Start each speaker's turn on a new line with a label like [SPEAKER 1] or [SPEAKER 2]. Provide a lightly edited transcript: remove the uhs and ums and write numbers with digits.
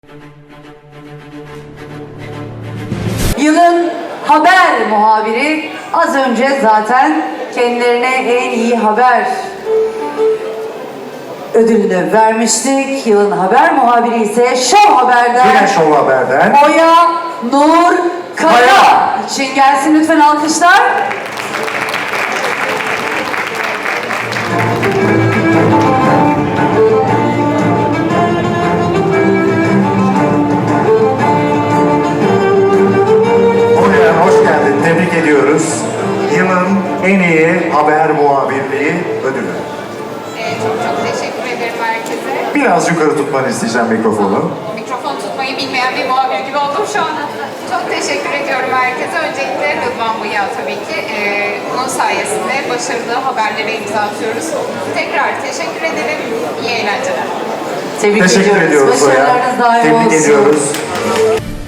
[SPEAKER 1] Yılın haber muhabiri az önce zaten kendilerine en iyi haber ödülünü vermiştik. Yılın haber muhabiri ise Show Haber'den.
[SPEAKER 2] Yine Show Haber'den.
[SPEAKER 1] Oya Nur Kaya. İçin gelsin lütfen alkışlar.
[SPEAKER 2] Oya hoş geldin. Tebrik ediyoruz. Yılın en iyi haber muhabirliği ödülü.
[SPEAKER 3] Çok teşekkür ederim herkese.
[SPEAKER 2] Biraz yukarı tutmanı isteyeceğim mikrofonu.
[SPEAKER 3] Mikrofon tutmayı bilmeyen bir muhabir gibi oldum şu an. Çok teşekkür ediyorum herkese. Öncelikle Rıdvan Bıyık'a tabii ki. Onun sayesinde başarılı haberlere imza atıyoruz. Tekrar teşekkür ederim. İyi eğlenceler.
[SPEAKER 1] Tebrik
[SPEAKER 2] Teşekkür ediyoruz Oya.
[SPEAKER 1] Başarılarınız daim
[SPEAKER 2] Tebrik
[SPEAKER 1] olsun.
[SPEAKER 2] ediyoruz.